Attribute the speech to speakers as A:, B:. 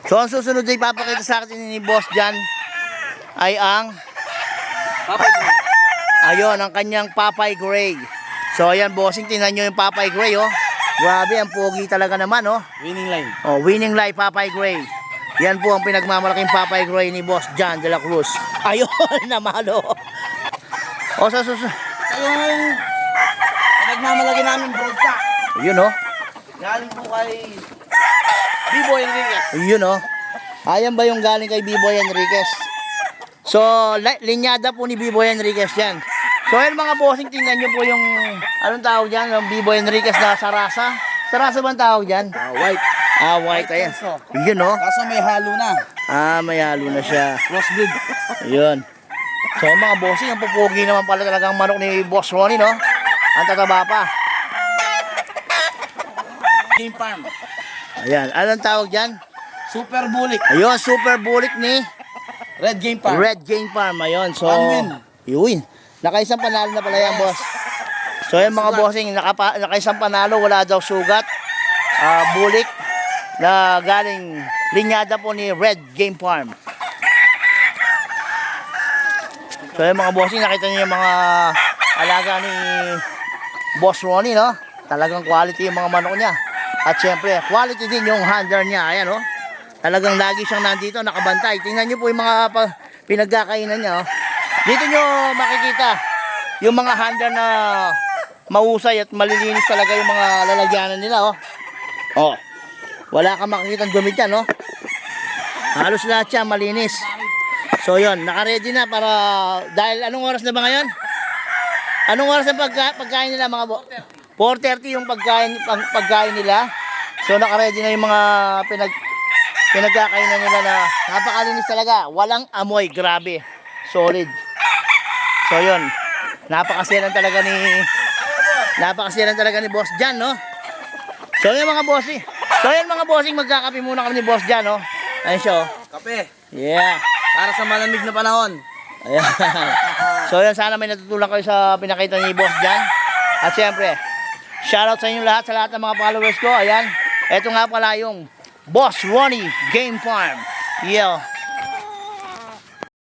A: So ang susunod na ipapakita sa akin ni Boss Jan ay ang
B: Papay Gray.
A: ayun, ang kanyang Papay Gray. So ayan bossing, tingnan nyo yung Papay Gray oh. Grabe, ang pogi talaga naman oh.
B: Winning line.
A: Oh, winning life Papay Gray. Yan po ang pinagmamalaking Papay Gray ni Boss Jan de la Cruz. Ayun, namalo. O sa susunod.
B: Yung pinagmamalaki namin broadcast.
A: Ayun oh.
B: Galing po kay B-Boy Enriquez.
A: Ayun oh. Ayan ba yung galing kay B-Boy Enriquez? So, linyada po ni B-Boy Enriquez yan. So, yan mga bossing, tingnan nyo po yung, anong tawag dyan? Yung B-Boy Enriquez na sarasa. Sarasa ba ang tawag dyan?
B: White.
A: Ah, white, ayan. Yun oh.
B: Kaso may halo na.
A: Ah, may halo na siya.
B: Crossbreed.
A: Ayun. So, mga bossing, ang pupugi naman pala talagang manok ni Boss Ronnie, no? Ang tataba pa.
B: Game Farm.
A: Ayan, anong tawag dyan?
B: Super Bulik.
A: Ayun, super bulik ni
B: Red Game Farm.
A: Red Game Farm. Ayun, so,
B: One win.
A: yun. Nakaisang panalo na pala yan, boss. So, yung mga bossing, nakaisang panalo, wala daw sugat. Bulik na galing linyada po ni Red Game Farm. So, yung mga bossing, nakita niyo yung mga alaga ni Boss Ronnie, no? Talagang quality yung mga manok niya. At syempre, quality din yung handler niya. Ayan, oh. Talagang lagi siyang nandito, nakabantay. Tingnan niyo po yung mga pinagkakainan niya, oh. Dito nyo makikita yung mga handler na mahusay at malilinis talaga yung mga lalagyanan nila, oh. Oh. Wala kang makikita dumi dyan, oh. Halos lahat siya malinis. So yun, naka-ready na para, dahil anong oras na ba ngayon? Anong oras ang pagkain nila mga 4:30 yung pagkain nila. So naka-ready na yung mga pinagkakainan nila na napakalinis talaga. Walang amoy, grabe. Solid. So yun, napakasiran talaga ni Boss Jan, no? So yun mga bossing. So yun mga bossing, magkakape muna kami ni Boss Jan, no? Ayun siya, oh.
B: Kape.
A: Yeah.
B: Para sa malamig na panahon.
A: Ayan. So yun, sana may natutunan kayo sa pinakita ni Boss Jan. At syempre, shoutout sa inyo lahat, sa lahat ng mga followers ko. Ayan. Ito nga pala yung Boss Ronnie Game Farm. Yeah.